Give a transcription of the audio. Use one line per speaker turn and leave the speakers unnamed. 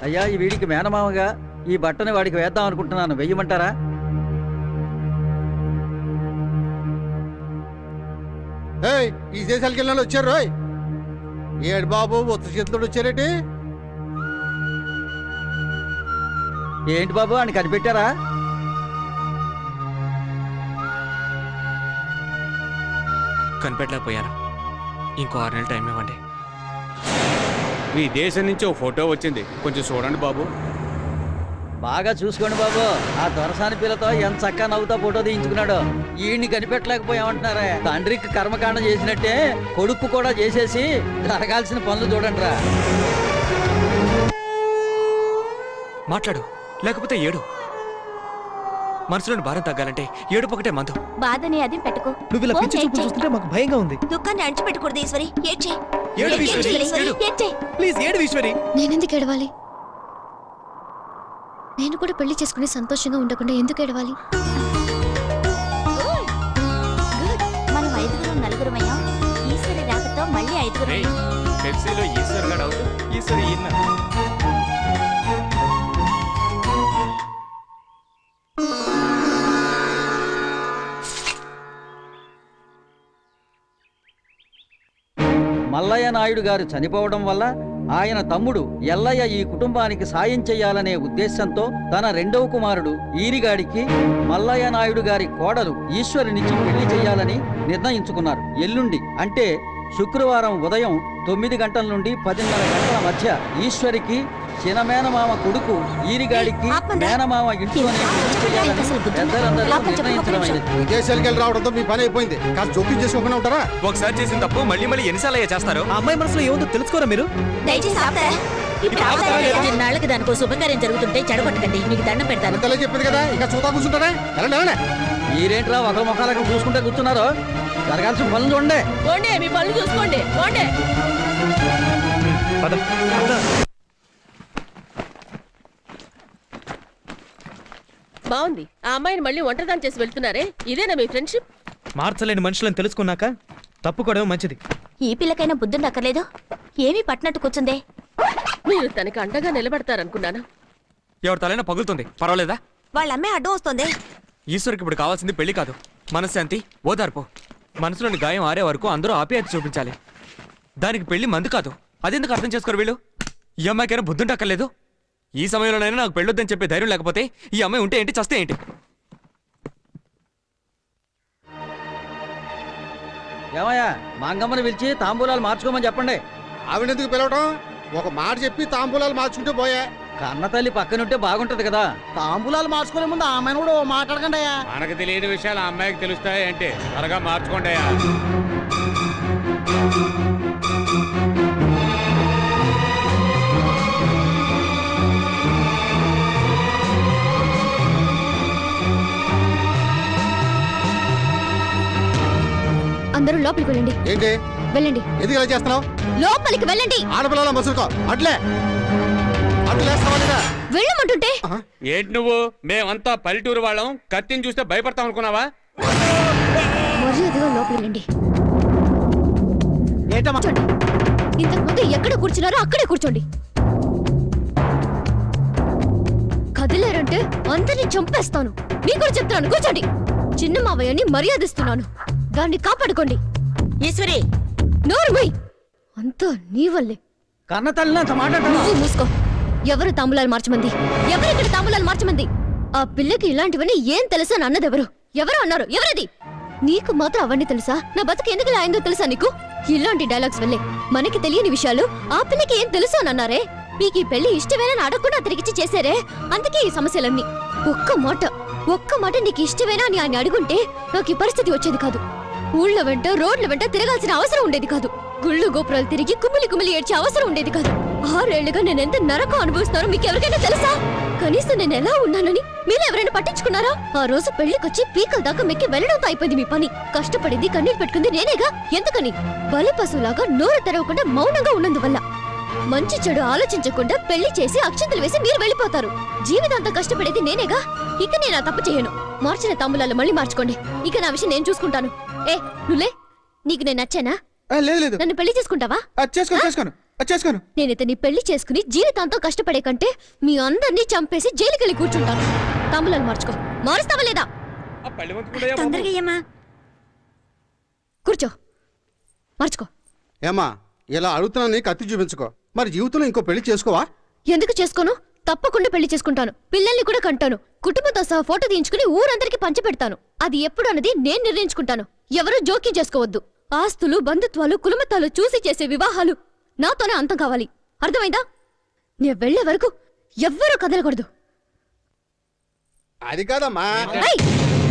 అయ్యా, ఈ వీడికి మేనమామగా ఈ బట్టని వాడికి వేద్దాం అనుకుంటున్నాను, వెయ్యమంటారా?
ఈ దేశాలకు వెళ్ళిన వచ్చారు రోయ్. ఏడు బాబు ఉత్త చేతితో వచ్చారేటి?
ఏంటి బాబు అని కనిపెట్టారా?
కనిపెట్టలేకపోయాను. ఇంకో 6 నెలలు టైం ఇవ్వండి.
మీ దేశం నుంచి ఓ ఫోటో వచ్చింది, కొంచెం చూడండి బాబు.
బాగా చూసుకోండి బాబు. ఆ దొరసాని పిల్లతో ఎంత చక్కగా నవ్వుతా ఫోటో తీయించుకున్నాడు. ఈయన్ని కనిపెట్టలేకపోయామంటున్నారే. తండ్రికి కర్మకాండ చేసినట్టే కొడుకు కూడా చేసేసి జరగాల్సిన పనులు చూడండి రా.
మాట్లాడు, లేకపోతే ఏడు. మనసులోని భారం తగ్గాలంటే ఏడుపు ఒకటే మందు.
బాధని అది పెట్టుకో.
నువ్వు ఇలా పిచ్చి చూపులు చూస్తుంటే మాకు భయంగా ఉంది.
దుఃఖాన్ని అణిచిపెట్టకూడదు ఈశ్వరి. ఏడ్చే.
ఏడు ఈశ్వరి,
ఏడ్చే.
ప్లీజ్ ఏడు ఈశ్వరి.
నేనెందుకు ఏడవాలి? నేను కూడా పెళ్లి చేసుకుని సంతోషంగా ఉండకుండా ఎందుకు ఏడవాలి?
మనం 5 నలుగురం అయ్యాం. ఈశ్వరి రాకతో మళ్ళీ 5.
పెప్సీలో ఈశ్వర్ గడ్ అవుట్, ఈశ్వరి ఇన్న.
మల్లయ్య నాయుడు గారు చనిపోవడం వల్ల ఆయన తమ్ముడు ఎల్లయ్య ఈ కుటుంబానికి సాయం చేయాలనే ఉద్దేశంతో తన 2వ కుమారుడు ఈరిగాడికి మల్లయ్య నాయుడు గారి కోడలు ఈశ్వరినిచ్చి పెళ్లి చేయాలని నిర్ణయించుకున్నారు. ఎల్లుండి అంటే శుక్రవారం ఉదయం 9 గంటల నుండి 10:30 గంటల మధ్య ఈశ్వరికి చినమేనమామ కొడుకు ఈరిగాడికి మేనమామ ఇంట్లోనే పెళ్లి చేయాలని పెద్దలందరూ నిర్ణయించడమైనది.
విదేశాలకు వెళ్ళి రావడంతో మీ పని అయిపోయింది. కాస్త జోక్యం చేసుకోకుండా ఉంటారా?
ఒకసారి చేసిన తప్పు మళ్ళీ మళ్ళీ ఎన్నిసార్లు అయ్యా చేస్తారు?
ఆ అమ్మాయి మనసులో ఏముందో తెలుసుకోరా మీరు?
నాళ్ళకి దానికో శుభకార్యం జరుగుతుంటే చెడగొట్టకండి. మీకు దండం పెడతాను.
అంతలే చెప్పింది కదా, ఇంకా చూతా కూర్చుంటారా? వెళ్ళండి.
మీరేంట్రా ఒకరి ముఖాలకు చూసుకుంటే కూర్చున్నారు? జరగాల్సిన పనులు చూడండి.
మీ పనులు చూసుకోండి.
బాగుంది. ఆ అమ్మాయిని మళ్ళీ ఒంటరిదాన్ని చేసి వెళ్తున్నారే, ఇదేనా మీ ఫ్రెండ్షిప్?
మార్చలేని మనుషులను తెలుసుకున్నాక తప్పుకోవడం మంచిది.
ఈ పిల్లకైనా బుద్ధుండి అక్కర్లేదు. ఏమీ పట్టినట్టు కూర్చుందే.
మీరు తనకి అండగా నిలబడతారనుకున్నాను.
ఎవరి తలైనా పగులుతుంది, పర్వాలేదా?
వాళ్ళ అమ్మాయి అడ్డం వస్తుంది.
ఈశ్వరికి ఇప్పుడు కావాల్సింది పెళ్లి కాదు, మనశ్శాంతి, ఓదార్పు. మనసులోని గాయం ఆరే వరకు అందరూ ఆప్యాయత చూపించాలి. దానికి పెళ్లి మందు కాదు. అదెందుకు అర్థం చేసుకోరు వీళ్ళు? ఈ అమ్మాయికైనా బుద్ధుంటక్కర్లేదు. ఈ సమయంలోనైనా నాకు పెళ్ళొద్దని చెప్పే ధైర్యం లేకపోతే ఈ అమ్మాయి ఉంటే ఏంటి, చస్తే ఏంటి?
ఏమయ్యా, మంగమ్మని పిలిచి తాంబూలాలు మార్చుకోమని చెప్పండి.
ఆవిడెందుకు పిలవటం? ఒక మాట చెప్పి తాంబూలాలు మార్చుకుంటే పోయా.
కన్న తల్లి పక్కనుంటే బాగుంటది కదా.
తాంబూలాలు మార్చుకునే ముందు ఆమెను కూడా మాట్లాడకండి అయ్యా.
మనకు తెలియని విషయాలు ఆ అమ్మాయికి తెలుస్తాయి అంటే త్వరగా మార్చుకోండి అయ్యా.
అందరూ లోపలికి వెళ్ళండి.
ఏంటి
వెళ్ళండి.
ఎందుకు ఇలా చేస్తున్నావు?
లోపలికి వెళ్ళండి.
ఆడపిల్లల మసులుకో అట్లే
వెళ్ళమంటుంటే
ఏంటి నువ్వు? మేమంతా పల్లెటూరు వాళ్ళం, కత్తిని చూస్తే భయపడతాం అనుకున్నావా?
మర్యాదగా లోపలికి వెళ్ళండి. ఇంతకు ముందు ఎక్కడ కూర్చున్నారో అక్కడే కూర్చోండి. కదిలేరంటే అందరినీ చంపేస్తాను. మీకు కూడా చెప్తాను, కూర్చోండి. చిన్న మావయ్యని మర్యాదిస్తున్నాను, దాన్ని కాపాడుకోండి.
ఈశ్వరి,
నోరుమై. అంతా నీ వల్లే.
కన్న తల్లిని అంత మాట్లాడతాను.
నువ్వు మూసుకో. ఎవరు తాంబూలాలు మార్చమంది? ఎవరిక్కడ తాంబూలాలు మార్చమంది? ఆ పిల్లకి ఇలాంటివన్నీ ఏం తెలుసా అని అన్నదెవరు? ఎవరు అన్నారు? ఎవరది? నీకు మాత్రం అవన్నీ తెలుసా? నా బతుకు ఎందుకు ఇలా అయిందో తెలుసా నీకు? ఇలాంటి డైలాగ్స్ వల్లే మనకి తెలియని విషయాలు ఆ పిల్లకి ఏం తెలుసు అని అన్నారే. మీకు ఈ పెళ్లి ఇష్టమేనా అడగకుండా తిరిగిచ్చి చేశారే, అందుకే ఈ సమస్యలన్నీ. ఒక్క మాట నీకు ఇష్టమేనా అని ఆయన అడుగుంటే నాకు ఈ పరిస్థితి వచ్చేది కాదు. ఊళ్ళ వెంట రోడ్ల వెంట తిరగాల్సిన అవసరం ఉండేది కాదు. గుళ్ళు గోపురాలు తిరిగి కుమిలి ఏడ్చే అవసరం ఉండేది కాదు. 6 ఏళ్లుగా నేను ఎంత నరకం అనుభవిస్తున్నానో మీకు ఎవరికైనా తెలుసా? కనీసం నేను ఎలా ఉన్నానని మీరు ఎవరైనా పట్టించుకున్నారా? ఆ రోజు పెళ్లికొచ్చి పీకల దాకా మెక్కి వెళ్ళడంతో అయిపోయింది మీ పని. కష్టపడింది, కన్నీరు పెట్టుకుంది నేనేగా. ఎందుకని? బలి పశువులాగా నోరు తెరవకుండా మౌనంగా ఉన్నందువల్ల. మంచి చెడు ఆలోచించకుండా పెళ్లి చేసి అక్షంతలు వేసి మీరు వెళ్ళిపోతారు. జీవితాంతం కష్టపడేది నేనేగా. ఇక నేను ఆ తప్పు చేయను. మార్చిన తాంబూలాలు మళ్ళీ మార్చుకోండి. ఇక నా విషయం నేను చూసుకుంటాను. నువ్వులే. నీకు నేను నచ్చానా?
లేదు.
నన్ను పెళ్లి చేసుకుంటావా?
చేసుకోను. చేసుకోను.
నేను ఇతన్ని పెళ్లి చేసుకుని జీవితాంతం కష్టపడే కంటే మీ అందరినీ చంపేసి జైలుకెళ్ళి కూర్చుంటాను. తాంబూలాలు మార్చుకో. మారుస్తావా లేదా? కూర్చో, మార్చుకో.
ఏమా ఇలా అడుగుతున్నాను, కత్తి చూపించుకో. మరి జీవితంలో ఇంకో పెళ్లి చేసుకోవా?
ఎందుకు చేసుకోను? తప్పకుండా పెళ్లి చేసుకుంటాను. పిల్లల్ని కూడా కంటాను. కుటుంబంతో సహా ఫోటో తీయించుకుని ఊరందరికీ పంచిపెడతాను. అది ఎప్పుడు అన్నది నేను నిర్ణయించుకుంటాను. ఎవరూ జోక్యం చేసుకోవద్దు. ఆస్తులు, బంధుత్వాలు, కులమతాలు చూసి చేసే వివాహాలు నాతోనే అంతం కావాలి. అర్థమైందా? నేను వెళ్లే వరకు ఎవ్వరూ కదలకూడదు.
అది కాదమ్మా.
ఏయ్!